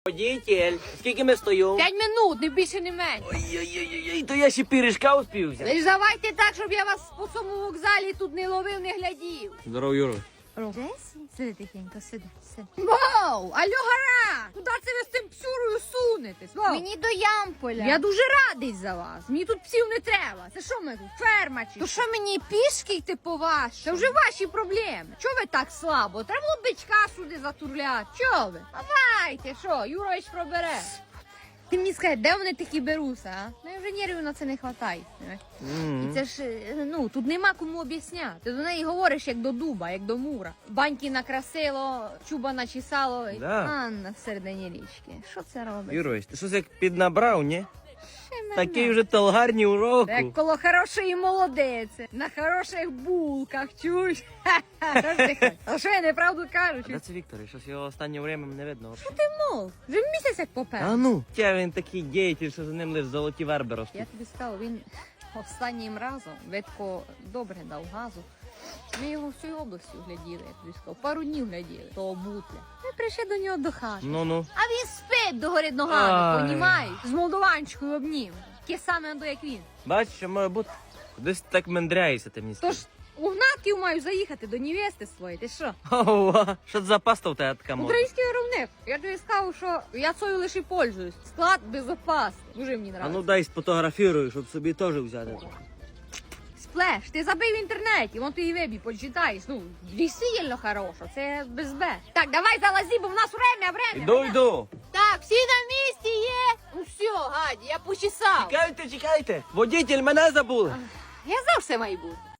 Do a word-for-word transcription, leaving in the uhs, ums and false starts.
Водитель, скільки ми стоїмо? П'ять минут, не більше, не менше. Ой-ой-ой, то я ще пиріжка успів взяти. Ви ж давайте так, щоб я вас по цьому вокзалі тут не ловив, не глядів. Здорово, Юро. Десь? Сиди тихенько, сиди, сиди. Вау! Алло, гара! Куди це ви з тим псюрою сунетесь? Вау! Мені до Ямполя. Я дуже радий за вас. Мені тут псів не треба. Це що ми тут, ферма чи То що? що мені пішки йти по вашому? Це вже ваші проблеми. Чого ви так слабо? Треба було бичка сюди затурляти. Чого ви? Давайте, що, Юрович пробере. Ти мені скажи, де вони такі беруться, а? Ну, інженерів на це не вистачає. І це ж, е, ну, тут нема кому об'ясняти. Ти до неї говориш як до дуба, як до мура. Баньки накрасило, чуба начесало. Да. Анна в середині річки. Що це робить? Юрович, ти щось як піднабрав, ні? Ще мене. Такий вже толгарні уроку. Як коло хорошої молодиці, на хороших булках, чуєш? Ха-ха. А що я неправду кажу? Де це Віктор? Щось його останнє время не видно. Ти мов, вже місяць як попер. А ну, тя він такий діятель, що за ним лише золоті верби ростуть. Я тобі сказав, він останнім разом Ветко добре дав газу. Ми його всю областю гляділи, я тобі сказав. Пару днів гляділи, того бутля. Ми прийшли до нього до хати. Ну-ну. А він спить догори ногами, Ай. понімаєш? З молдованчикою обнім. Таке саме, як він. Бачиш, що має бути. Кудись ти так мендряєшся, ти мені Тож скажи. у Гнатків маю заїхати до невести своєї, ти що? Ова, що це за паста в тебе така модна? Український виробник. Я тобі сказав, що я цою лише пользуюсь. Склад безопасний. Дуже мені А нравиться. ну дай сфотографірую, щоб собі теж взяти. Сплеш, ти забив в інтернеті, вон ти і вебі почитаєш. Ну, сильно хорошо, це без Б. Так, давай залази, бо в нас время, время. Іду, время. йду. Так, всі на місці є. Ну все, Гаді, я почесав. Чекайте, чекайте. Водитель, мене забули. Я завжди маю бути.